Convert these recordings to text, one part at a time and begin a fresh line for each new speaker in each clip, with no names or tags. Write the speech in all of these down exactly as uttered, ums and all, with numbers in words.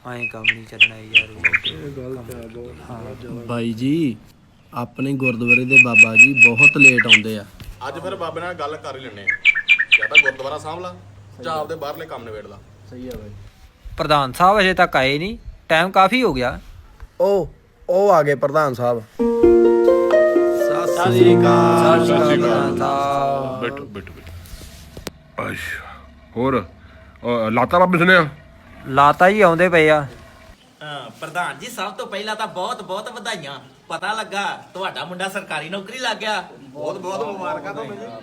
ਐਂ ਕੰਮ ਨਹੀਂ ਚੱਲਣਾ ਯਾਰ।
ਬਾਈ ਜੀ ਆਪਣੇ ਗੁਰਦੁਆਰੇ ਦੇ ਬਾਬਾ ਜੀ ਬਹੁਤ ਲੇਟ ਆਉਂਦੇ ਆ।
ਅੱਜ ਫਿਰ ਬਾਬੇ ਨਾਲ ਗੱਲ ਕਰ ਹੀ ਲੈਣੇ ਆ। ਜਾਂ ਤਾਂ ਗੁਰਦੁਆਰਾ ਸਾਂਭ ਲਾ ਜਾਂ ਆਪਦੇ ਬਾਹਰਲੇ ਕੰਮ ਨਿਬੇੜ ਲਾ।
ਸਹੀ ਆ ਬਾਈ।
ਪ੍ਰਧਾਨ ਸਾਹਿਬ ਅਜੇ ਤੱਕ ਆਏ ਨਹੀਂ, ਟਾਈਮ ਕਾਫੀ ਹੋ ਗਿਆ।
ਉਹ ਉਹ ਆ ਗਏ ਪ੍ਰਧਾਨ ਸਾਹਿਬ।
ਸਤਿ ਸ੍ਰੀ ਅਕਾਲ। ਸਤਿ ਸ੍ਰੀ ਅਕਾਲ।
ਬੈਠੋ ਬੈਠੋ ਬੈਠੋ। ਅੱਛਾ ਹੋਰ ਲਾਤਾ ਬਾਬੇ ਸੁਣਿਆ?
ਲਾਤਾ ਜੀ ਆਉਂਦੇ ਪਏ ਆ।
ਹਾਂ ਪ੍ਰਧਾਨ ਜੀ, ਸਭ ਤੋਂ ਪਹਿਲਾਂ ਤਾਂ ਬਹੁਤ ਬਹੁਤ ਵਧਾਈਆਂ। ਪਤਾ ਲੱਗਾ ਤੁਹਾਡਾ ਮੁੰਡਾ ਸਰਕਾਰੀ ਨੌਕਰੀ ਲੱਗ ਗਿਆ।
ਬਹੁਤ ਬਹੁਤ ਮੁਬਾਰਕਾਂ ਤੁਹਾਨੂੰ ਜੀ।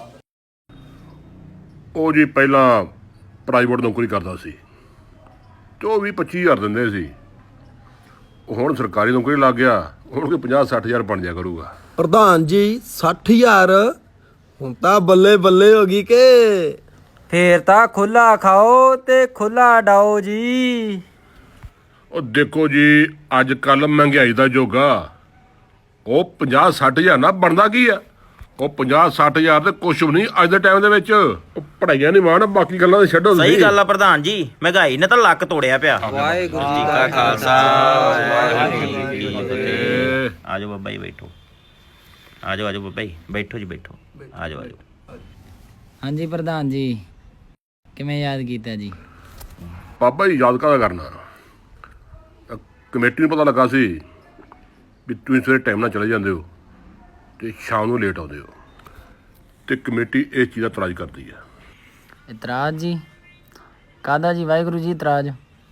ਉਹ ਜੀ ਪਹਿਲਾਂ ਪ੍ਰਾਈਵੇਟ ਨੌਕਰੀ ਕਰਦਾ ਸੀ ਤੇ ਉਹ ਵੀਹ ਪੱਚੀ ਹਜ਼ਾਰ ਦਿੰਦੇ ਸੀ। ਉਹ ਹੁਣ ਸਰਕਾਰੀ ਨੌਕਰੀ ਲੱਗ ਗਿਆ, ਹੁਣ ਕੋਈ ਪੰਜਾਹ ਸੱਠ ਹਜ਼ਾਰ ਬਣ ਜਾ ਕਰੂਗਾ।
ਪ੍ਰਧਾਨ ਜੀ ਸੱਠ ਹਜ਼ਾਰ ਹੁਣ ਤਾਂ ਬੱਲੇ ਬੱਲੇ ਹੋ ਗਈ ਕਿ
ਫੇਰ ਤਾਂ ਖੁੱਲਾ ਖਾਓ ਤੇ ਖੁੱਲਾ ਡਾਓ ਜੀ।
ਉਹ ਦੇਖੋ ਜੀ ਅੱਜ ਕੱਲ ਮਹਿੰਗਾਈ ਦਾ ਯੁੱਗ ਆ। ਉਹ ਪੰਜਾਹ ਸੱਠ ਹਜ਼ਾਰ ਨਾਲ ਬਣਦਾ ਕੀ ਆ? ਉਹ ਪੰਜਾਹ ਸੱਠ ਹਜ਼ਾਰ ਤੇ ਕੁਛ ਵੀ ਨਹੀਂ ਅੱਜ ਦੇ ਟਾਈਮ ਦੇ ਵਿੱਚ। ਉਹ ਪੜ੍ਹਾਈਆਂ ਨਹੀਂ ਮਾਣ, ਬਾਕੀ ਗੱਲਾਂ ਤੇ ਛੱਡੋ।
ਸਹੀ ਗੱਲ ਆ ਪ੍ਰਧਾਨ ਜੀ, ਮਹਿੰਗਾਈ ਨੇ ਤਾਂ ਲੱਕ ਤੋੜਿਆ ਪਿਆ।
ਵਾਹਿਗੁਰੂ ਜੀ ਕਾ ਖਾਲਸਾ ਵਾਹਿਗੁਰੂ ਜੀ ਕੀ ਫਤਿਹ।
ਆਜੋ ਬਾਬਾ ਜੀ ਬੈਠੋ। ਆਜੋ ਆਜੋ ਬਾਬਾ ਜੀ ਬੈਠੋ ਜੀ ਬੈਠੋ। ਆਜੋ ਆਜੋ।
ਹਾਂਜੀ ਪ੍ਰਧਾਨ ਜੀ, ਕਿਵੇਂ ਯਾਦ ਕੀਤਾ ਜੀ?
ਬਾਬਾ ਜੀ ਯਾਦ ਕਾਹਦਾ ਕਰਨਾ, ਕਮੇਟੀ ਨੂੰ ਪਤਾ ਲੱਗਾ ਸੀ ਵੀ ਤੁਸੀਂ ਸਵੇਰੇ ਟਾਈਮ ਨਾਲ ਚਲੇ ਜਾਂਦੇ ਹੋ ਤੇ ਸ਼ਾਮ ਨੂੰ ਲੇਟ ਆਉਂਦੇ ਹੋ, ਤੇ ਕਮੇਟੀ ਇਸ ਚੀਜ਼ ਦਾ ਇਤਰਾਜ਼ ਕਰਦੀ ਆ।
ਇਤਰਾਜ਼ ਜੀ? ਕਾਹਦਾ ਜੀ ਵਾਹਿਗੁਰੂ ਜੀ ਇਤਰਾਜ਼?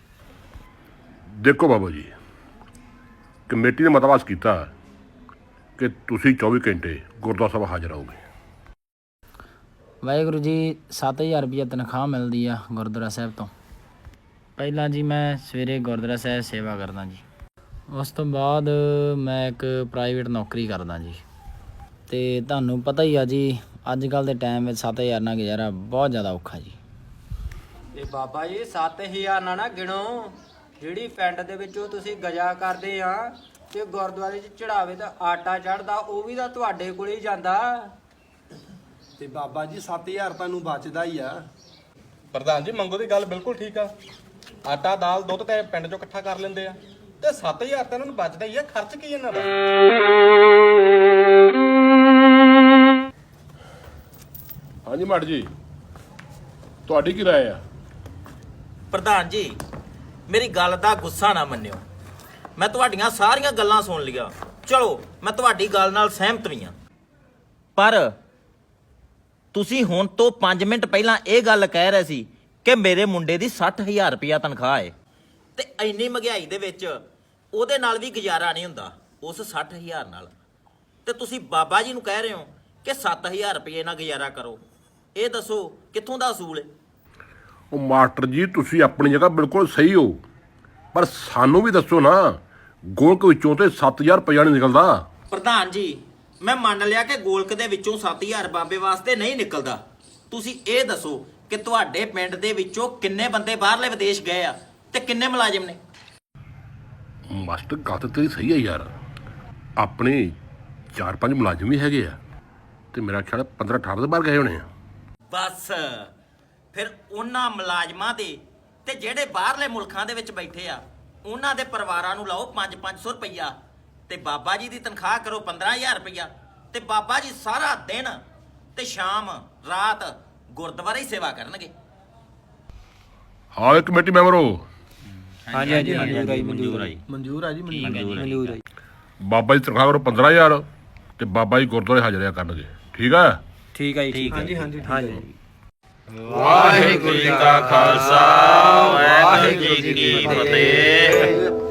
ਦੇਖੋ ਬਾਬਾ ਜੀ, ਕਮੇਟੀ ਨੇ ਮਤਵਾਸ ਕੀਤਾ ਕਿ ਤੁਸੀਂ ਚੌਵੀ ਘੰਟੇ ਗੁਰਦੁਆਰਾ ਸਾਹਿਬ ਹਾਜ਼ਰ ਰਹੋਗੇ।
ਵਾਹਿਗੁਰੂ ਜੀ ਸੱਤ ਹਜ਼ਾਰ ਰੁਪਈਆ ਤਨਖਾਹ ਮਿਲਦੀ ਆ ਗੁਰਦੁਆਰਾ ਸਾਹਿਬ ਤੋਂ। ਪਹਿਲਾਂ ਜੀ ਮੈਂ ਸਵੇਰੇ ਗੁਰਦੁਆਰਾ ਸਾਹਿਬ ਸੇਵਾ ਕਰਦਾ ਜੀ, ਉਸ ਤੋਂ ਬਾਅਦ ਮੈਂ ਇੱਕ ਪ੍ਰਾਈਵੇਟ ਨੌਕਰੀ ਕਰਦਾ ਜੀ। ਅਤੇ ਤੁਹਾਨੂੰ ਪਤਾ ਹੀ ਆ ਜੀ ਅੱਜ ਕੱਲ੍ਹ ਦੇ ਟਾਈਮ ਵਿੱਚ ਸੱਤ ਹਜ਼ਾਰ ਨਾਲ ਗੁਜ਼ਾਰਾ ਬਹੁਤ ਜ਼ਿਆਦਾ ਔਖਾ ਜੀ।
ਤੇ ਬਾਬਾ ਜੀ ਸੱਤ ਹਜ਼ਾਰ ਨਾ ਨਾ ਗਿਣੋ, ਜਿਹੜੀ ਪਿੰਡ ਦੇ ਵਿੱਚੋਂ ਤੁਸੀਂ ਗਜਾ ਕਰਦੇ ਆ ਤੇ ਗੁਰਦੁਆਰੇ 'ਚ ਚੜਾਵੇ ਦਾ ਆਟਾ ਚੜਦਾ, ਉਹ ਵੀ ਤਾਂ ਤੁਹਾਡੇ ਕੋਲ ਹੀ ਜਾਂਦਾ।
ਤੇ ਬਾਬਾ ਜੀ ਸੱਤ ਹਜ਼ਾਰ ਤੁਹਾਨੂੰ ਬਚਦਾ ਹੀ ਆ।
ਪ੍ਰਧਾਨ ਜੀ ਮੰਗੋ ਦੀ ਗੱਲ ਬਿਲਕੁਲ ਠੀਕ ਆ। ਆਟਾ ਦਾਲ ਦੁੱਧ ਤੇ ਪਿੰਡ ਚੋਂ ਇਕੱਠਾ ਕਰ ਲੈਂਦੇ ਆ ਤੇ ਸੱਤ ਹਜ਼ਾਰ ਤਾਂ ਇਹਨਾਂ ਨੂੰ ਬਚਦਾ ਹੀ ਆ। ਖਰਚ ਕੀ ਇਹਨਾਂ ਦਾ?
ਹਾਂਜੀ ਮਾੜ ਜੀ, ਤੁਹਾਡੀ ਕੀ ਰਾਏ ਆ?
ਪ੍ਰਧਾਨ ਜੀ ਮੇਰੀ ਗੱਲ ਦਾ ਗੁੱਸਾ ਨਾ ਮੰਨਿਓ, ਮੈਂ ਤੁਹਾਡੀਆਂ ਸਾਰੀਆਂ ਗੱਲਾਂ ਸੁਣ ਲਈਆਂ। ਚਲੋ ਮੈਂ ਤੁਹਾਡੀ ਗੱਲ ਨਾਲ ਸਹਿਮਤ ਵੀ ਹਾਂ, ਪਰ ਤੁਸੀਂ ਹੁਣ ਤੋਂ ਪੰਜ ਮਿੰਟ ਪਹਿਲਾਂ ਇਹ ਗੱਲ ਕਹਿ ਰਹੇ ਸੀ ਕਿ ਮੇਰੇ ਮੁੰਡੇ ਦੀ ਸੱਠ ਹਜ਼ਾਰ ਰੁਪਇਆ ਤਨਖਾਹ ਹੈ, ਤੇ ਇੰਨੀ ਮਹਿੰਗਾਈ ਦੇ ਵਿੱਚ ਉਹਦੇ ਨਾਲ ਵੀ ਗੁਜ਼ਾਰਾ ਨਹੀਂ ਹੁੰਦਾ ਉਸ ਸੱਠ ਹਜ਼ਾਰ ਨਾਲ। ਤੇ ਤੁਸੀਂ ਬਾਬਾ ਜੀ ਨੂੰ ਕਹਿ ਰਹੇ ਹੋ ਕਿ ਸੱਤ ਹਜ਼ਾਰ ਰੁਪਏ ਨਾਲ ਗੁਜ਼ਾਰਾ ਕਰੋ। ਇਹ ਦੱਸੋ ਕਿੱਥੋਂ ਦਾ ਅਸੂਲ ਹੈ?
ਉਹ ਮਾਸਟਰ ਜੀ ਤੁਸੀਂ ਆਪਣੀ ਜਗ੍ਹਾ ਬਿਲਕੁਲ ਸਹੀ ਹੋ, ਪਰ ਸਾਨੂੰ ਵੀ ਦੱਸੋ ਨਾ, ਗੋਲਕ ਵਿੱਚੋਂ ਤੇ ਸੱਤ ਹਜ਼ਾਰ ਰੁਪਇਆ ਨਹੀਂ ਨਿਕਲਦਾ।
ਪ੍ਰਧਾਨ ਜੀ ਮੈਂ ਮੰਨ ਲਿਆ ਕਿ ਗੋਲਕ ਦੇ ਵਿੱਚੋਂ ਸੱਤ ਹਜ਼ਾਰ ਬਾਬੇ ਵਾਸਤੇ ਨਹੀਂ ਨਿਕਲਦਾ। ਤੁਸੀਂ ਇਹ ਦੱਸੋ ਕਿ ਤੁਹਾਡੇ ਪਿੰਡ ਦੇ ਵਿੱਚੋਂ ਕਿੰਨੇ ਬੰਦੇ ਬਾਹਰਲੇ ਵਿਦੇਸ਼ ਗਏ ਆ ਤੇ ਕਿੰਨੇ ਮੁਲਾਜ਼ਮ ਨੇ?
ਮਾਸਟਰ ਗੱਲ ਤਾਂ ਤੇਰੀ ਸਹੀ ਹੈ ਯਾਰ, ਆਪਣੇ ਚਾਰ ਪੰਜ ਮੁਲਾਜ਼ਮ ਵੀ ਹੈਗੇ ਆ ਤੇ ਮੇਰਾ ਖਿਆਲ ਪੰਦਰਾਂ ਅਠਾਰਾਂ ਦੇ ਬਾਹਰ ਗਏ ਹੋਣੇ ਆ।
ਬਸ ਫਿਰ ਉਹਨਾਂ ਮੁਲਾਜ਼ਮਾਂ ਦੇ ਤੇ ਜਿਹੜੇ ਬਾਹਰਲੇ ਮੁਲਕਾਂ ਦੇ ਵਿੱਚ ਬੈਠੇ ਆ ਉਹਨਾਂ ਦੇ ਪਰਿਵਾਰਾਂ ਨੂੰ ਲਾਓ ਪੰਜ ਪੰਜ ਸੌ ਰੁਪਈਆ, ਤੇ ਬਾਬਾ ਜੀ ਦੀ ਤਨਖਾਹ ਕਰੋ ਪੰਦਰਾਂ ਹਜ਼ਾਰ ਰੁਪਈਆ, ਤੇ ਬਾਬਾ ਜੀ ਸਾਰਾ ਦਿਨ ਤੇ ਸ਼ਾਮ ਰਾਤ ਗੁਰਦੁਆਰੇ ਹੀ ਸੇਵਾ ਕਰਨਗੇ।
ਹਾਂ ਇਹ ਕਮੇਟੀ ਮੈਂਬਰ ਹੋ?
ਹਾਂਜੀ ਹਾਂਜੀ ਮਨਜ਼ੂਰ ਆਈ ਮਨਜ਼ੂਰ ਆਈ
ਮਨਜ਼ੂਰ ਆ ਜੀ ਮਨਜ਼ੂਰ।
ਮਨਜ਼ੂਰ ਆਈ।
ਬਾਬਾ ਜੀ ਤਨਖਾਹ ਕਰੋ ਪੰਦਰਾਂ ਹਜ਼ਾਰ ਤੇ ਬਾਬਾ ਜੀ ਗੁਰਦੁਆਰੇ ਹਾਜ਼ਰਿਆ ਕਰਨਗੇ। ਠੀਕ ਆ?
ਠੀਕ ਹੈ ਜੀ। ਠੀਕ ਹੈ।
ਹਾਂਜੀ ਹਾਂਜੀ
ਹਾਂਜੀ।
ਵਾਹਿਗੁਰੂ ਜੀ ਕਾ ਖਾਲਸਾ ਵਾਹਿਗੁਰੂ ਜੀ ਕੀ ਫਤਿਹ।